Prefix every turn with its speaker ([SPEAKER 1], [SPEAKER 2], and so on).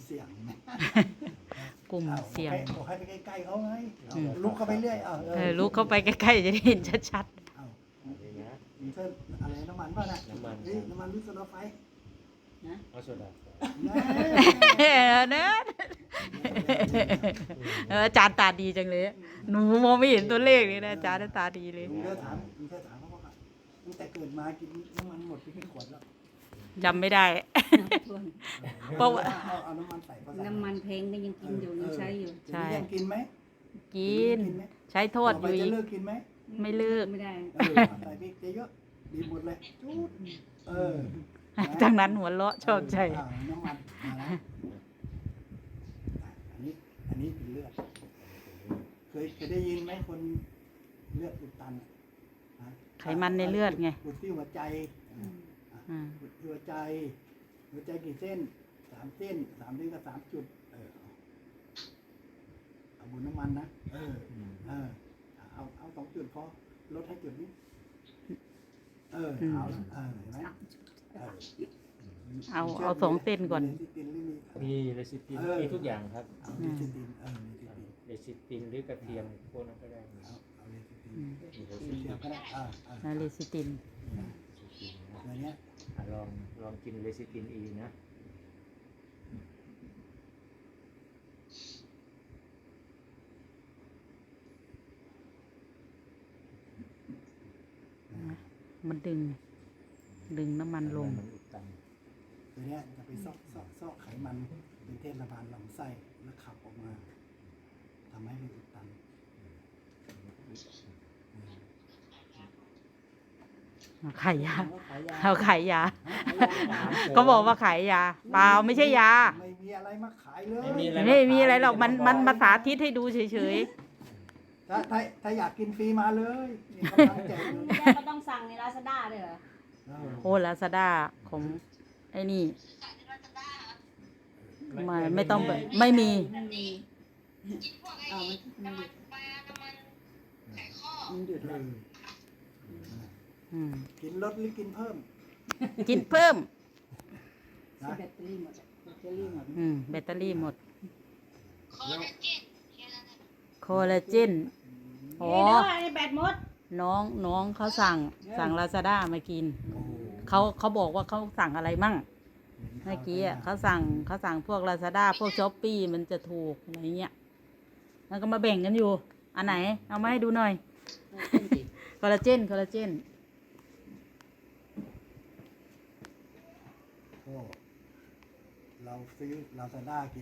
[SPEAKER 1] เสี่ยงไหม
[SPEAKER 2] กลุ่มเสี่ยง
[SPEAKER 1] บอกให้ไปใกล้ๆเขาไงลุกเข้าไปเรื่อย
[SPEAKER 2] ลุกเข้าไปใกล้ๆจะได้เห็นชัด
[SPEAKER 1] มีเส้นอะไรน้ำมันป่ะนะน้ำมันหรือโซดาไฟ
[SPEAKER 3] เอาโซดา
[SPEAKER 2] ๆเนอะอาจารย์ตาดีจังเลยหนูมองไม่เห็นตัวเลขเลยนะอาจารย์ตาดีเลย
[SPEAKER 1] ลุงถามเขาว่าตั้งแต่เกิดมากินน้ำมันหมดไปกี่ขวดแล้ว
[SPEAKER 2] จำไม่ได้ เพราะว่า
[SPEAKER 1] เอาน้ำมันใส่
[SPEAKER 4] น้ำมันแพงก็ยังกินอยู่ยังใช้อยู่
[SPEAKER 2] ใช่
[SPEAKER 1] ยังกินไหม
[SPEAKER 2] กิน ใช้โทษอยู่
[SPEAKER 1] จะ
[SPEAKER 2] อีก
[SPEAKER 1] เลิกกินไหม
[SPEAKER 2] ไม่เลิก
[SPEAKER 4] ไม่ได้
[SPEAKER 1] ใส่พริกเยอะดีหมดเลย
[SPEAKER 2] จากนั้นหัวเราะชอบใจ
[SPEAKER 1] น้ำมันอันนี้เป็นเลือดเคยได้ยินไหมคนเลือดอุดตัน
[SPEAKER 2] ไขมันในเลือดไง
[SPEAKER 1] อุดที่หัวใจอุดที่หัวใจกี่เส้น3 เส้นก็3 จุดเอาบุญน้ำมันนะเอา2 จุดพอลดให้จุดนี้เอาเห็นไหม
[SPEAKER 2] เอา2 เส้นก่อน
[SPEAKER 3] มีเลซิตินมีทุกอย่างครับ
[SPEAKER 1] เลซิติน
[SPEAKER 3] เลซิตินหรือกระเทียมพวกนั้นก็ได้มี
[SPEAKER 1] เอาเลซิตินเทียมก็ได้
[SPEAKER 2] เลซิติน
[SPEAKER 1] ตัวเนี้ย
[SPEAKER 3] ลองกินเลซิตินอีนะ
[SPEAKER 2] มันดึงน้ำมันลง
[SPEAKER 3] มันอุดตัน
[SPEAKER 1] ตัวเนี้ยจะไปซอกไขมันเป็นเทศบาลลำไส้แล้วขับออกมาทำให้ไม่อุดตัน
[SPEAKER 2] ขายยาเอาขายยา ก็บอกว่าขายยาเปล่าไม่ใช่ยา
[SPEAKER 1] ไม่มีอะไรมาขายเลย
[SPEAKER 2] ไม่มีอะไรหรอกมันมาสาธิตให้ดูเฉย
[SPEAKER 1] ถ้าอยากกินฟรีมาเลยนี่กำลังแจกอยู่
[SPEAKER 4] ไม่ได้ก็ต้องสั่งในลาซาด้าเลยเหรอ
[SPEAKER 2] ๆโอ้ลาซาด้าของไอ้นี่ไม่ต้องแบบไม่มี
[SPEAKER 4] ไม่มีมันหยุดแล้ว
[SPEAKER 1] กินลดหรือกินเพิ่ม
[SPEAKER 2] กินเพิ่ม
[SPEAKER 4] แบตเตอรี่หมดแบตเตอรี่หมด
[SPEAKER 2] แบตเตอรี่หมดโคลลาเจนอ๋อ
[SPEAKER 4] ไอ้แบตหมด
[SPEAKER 2] น้องเขาสั่งลาซาด้ามากินเขาบอกว่าเขาสั่งอะไรมั่งเมื่อกี้เขาสั่งพวกลาซาด้าพวกช้อปปี้มันจะถูกอะไรเงี้ยแล้วก็มาแบ่งกันอยู่อันไหนเอามาให้ดูหน่อยคอลลาเจน
[SPEAKER 1] ก็เราซื้อลาซาด้ากิน